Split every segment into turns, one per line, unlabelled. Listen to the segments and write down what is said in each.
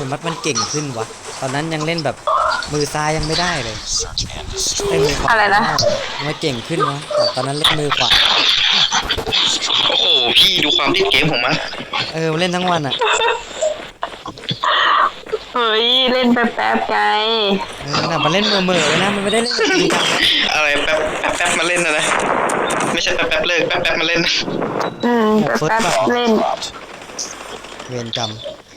มัดมันเก่งขึ้นวะตอนนั้นยังเล่นแบบมือซ้ายยังไม่ได้เลยเล่นมือขวา
อะไรนะ
มันเก่งขึ้นวะตอนนั้นเล่นมือขวา
โอ้โหพี่ดูความติดเกมของมัน
เล่นทั้งวันอ่ะ
เฮ้ยเล่นแป๊บๆไง
น่ะมันเล่นเมื่อเลยนะมันไม่ได้เล่นจริงจัง
อะไรแป๊บมาเล่นนะไม่ใช่แป๊บเลิกแป๊บมาเล่น
แป๊บเล่น
เวรกรรม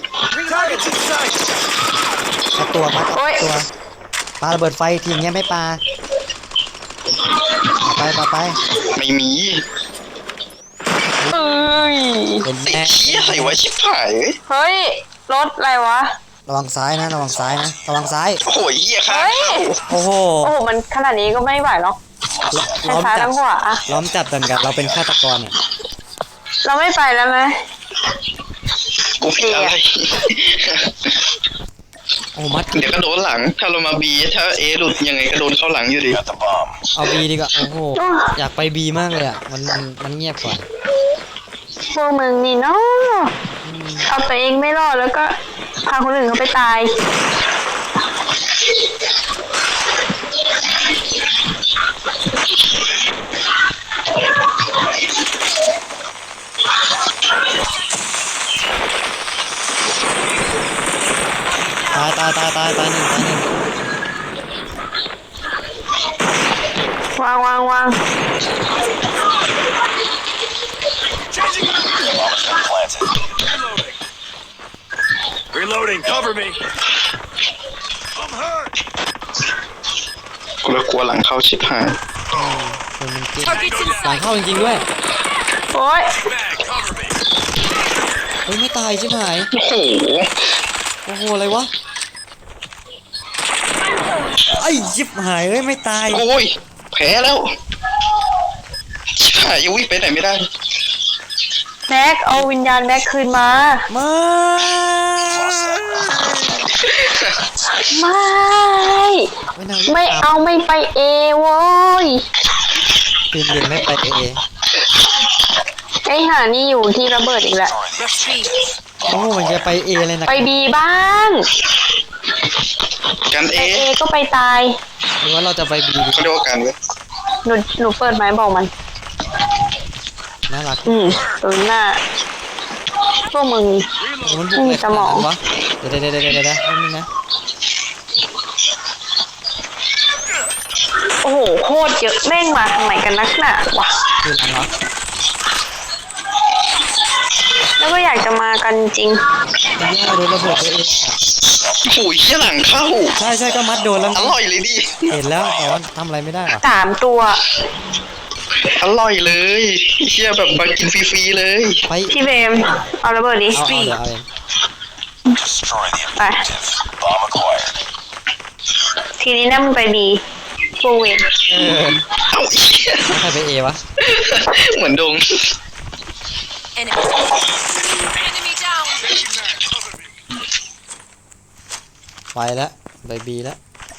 ตัวมาตัวปาระเบิดไฟทีเงี้ยไม่ปาไป
ไม่มี
เป็น
ไอ้เหี้ยอะไรวะชิบหาย
เฮ้ยรถอะไรวะ
ระวังซ้ายนะระวังซ้าย
โอ้โหเหี้ยค่ะ
โอ้โห
มันขนาดนี้ก็ไม่ไหวหรอก
ล้อมจับ
ล้อม
จับกันเราเป็นฆาตกรเนี่ย
เราไม่ไปแล้วไหม
กูผิดอะไร
โอ้มัด
เดี๋ยวก็โดนหลังถ้าเรามาบีถ้าเอหลุดยังไงก็โดนเข้าหลังอยู่ดี
เอาบีดีกว่าโอ้โหอยากไปบีมากเลยอ่ะมันเงียบกว่า
พวกมึงนี่เนาะเอาตัวเองไม่รอดแล้วก็พาคนอื่นเขาไปตาย
ตายหนึ่ง
วาง
Reloading, cover me. I'm hurt.
กูกลัวหลังเข้าชิบหาย
คนมันเก่งหลังเข้าจริงๆด้วย
โอ้ย
ไม่ตายชิบหาย
โอ้โห
อะไรวะไอ้ชิบหายไม่ตาย
โอ้ยแพ้แล้วชิบหายยังวิ่งไปไหนไม่ได้
แม็กเอาวิญญาณแม็กคืนมาไม่เอาไม่ไปเอโว้ย
ปีนเดินไม่ไปเอ
ไอ้หานี่อยู่ที่ระเบิดอีกแล้ว
โอ้มันจะไปเอเลยนะ
ไปบีบ้าง
กันเอ
ก็ไปตาย
หรือว่าเราจะไปบี
ก็ดูกันเว้ย
หนูเปิดไม้บอกมัน
น่ารัก
ตัวหน้าพวกมึงมีสมอง
เดี๋ยวนี่นะ
โอ้โหโคตรเยอะแม่งมาทำไมกันนักหนาวะ
คือหลังเหรอ
แล้วก็อยากจะมากันจริง
โดนระเบิดตัวเอง
โอ้ยเหี้ยหลังเข้า
ใช่ก็มัดโดนแล้ว
อร่อยเลยดิ
เห็นแล้วแต่ว่าทำอะไรไม่ได้หรอ
3 ตัว
อร่อยเลยเหี้ยแบบมากินฟรีๆเลย
ไป
พี่เบมเอาระเบิดดิไปทีนี้นั่งไปบีโฟเวน
เอา
ใครไปเอวะ
เหมือนดง
ไปแล้วไปบีแล้ว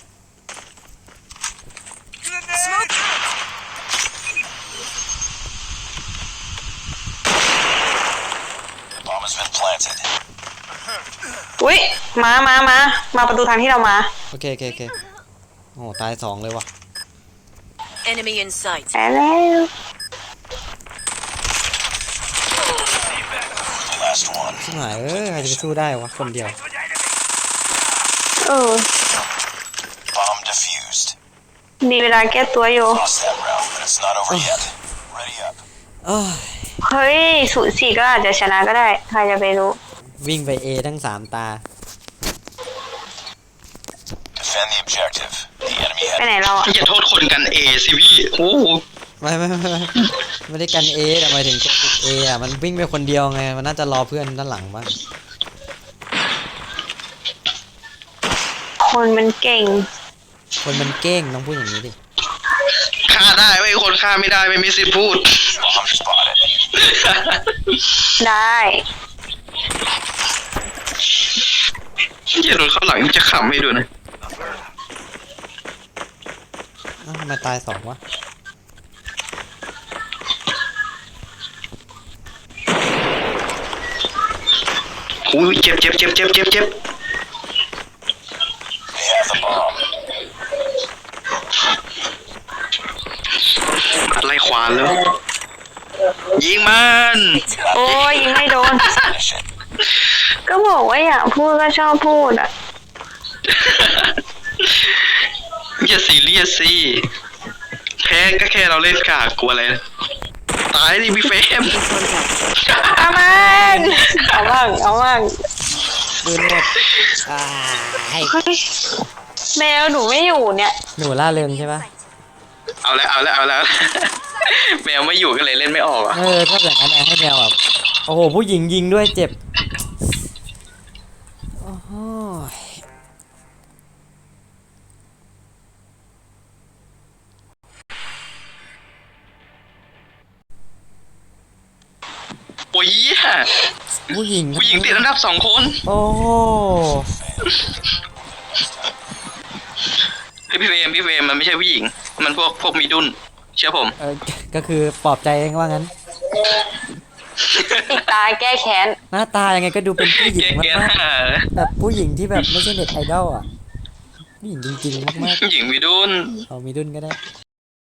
อุ้ยมาประตูทางที่เรามา
โอเคโอ้ตาย2เลยว่ะ
Enemy in sight
ไปแล้ว
ชิบหายใครจะไปสู้ได้วะคนเดียว
มีเวลาแก้ตัวอยู่เฮ้ย0-4ก็อาจจะชนะก็ได้ใครจะไปรู้
วิ่งไปเอทั้ง3 ตา
ไปไหนเรา
อย่าโทษคนกันเอสิพี่โอ้
ไม่ได้กันเอแต่หมายถึงเออ่ะมันวิ่งไปคนเดียวไงมันน่าจะรอเพื่อนด้านหลังบ้าง
คนมันเก่ง
ต้องพูดอย่างนี้ดิ
ฆ่าได้ไม่คนฆ่าไม่ได้ไม่มีสิทธิ์พูด
ได้
อย่าโดนเข้าหลังจะขำให้ดูนะ
ทำไมตาย2วะ
อุ้ยเจ็บานแล้ว ยิงมัน
โอ้ยยิงไม่โดน ก็บอกว่าอยากพูดก็ชอบพูดอ่ะ
อย่าซีเรียสสิแพ้ก็แค่เราเล่นกากกลัวอะไรนะตายดิพี่เฟรม
เอามันเอาบ้างเอาบ้าง
ปืนหมดอ่าให้
เฮ้ยแมวหนูไม่อยู่เนี่ย
หนูล่าเริงใช่ปะ
เอาแล้ว แมวไม่อยู่ก็เลยเล่นไม่ออกอ่ะ
ถ้าอย่างนั้นให้แมวแบบโอ้โหผู้หญิงยิงด้วยเจ็บโอ้โห
โอ้ยเหี้ย
ผู้หญิง
ผู้หญิงติดอันดับ2 คน
โอ้โห
เฮ้ยพี่เฟรมมันไม่ใช่ผู้หญิง มันพวกมีดุนเชื่อผม
ก็คือปลอบใจเองว่างั้น
ติดตาแก้แค้น
หน้าตายังไงก็ดูเป็นผู้หญิง
แก
มาก
หา
ๆแบบผู้หญิงที่แบบไม่ใช่เน็ตไอดอลอ่ะผู้หญิงจริงๆมาก
ผู้หญิงมีดุน
ๆเอามีดุนก็ได้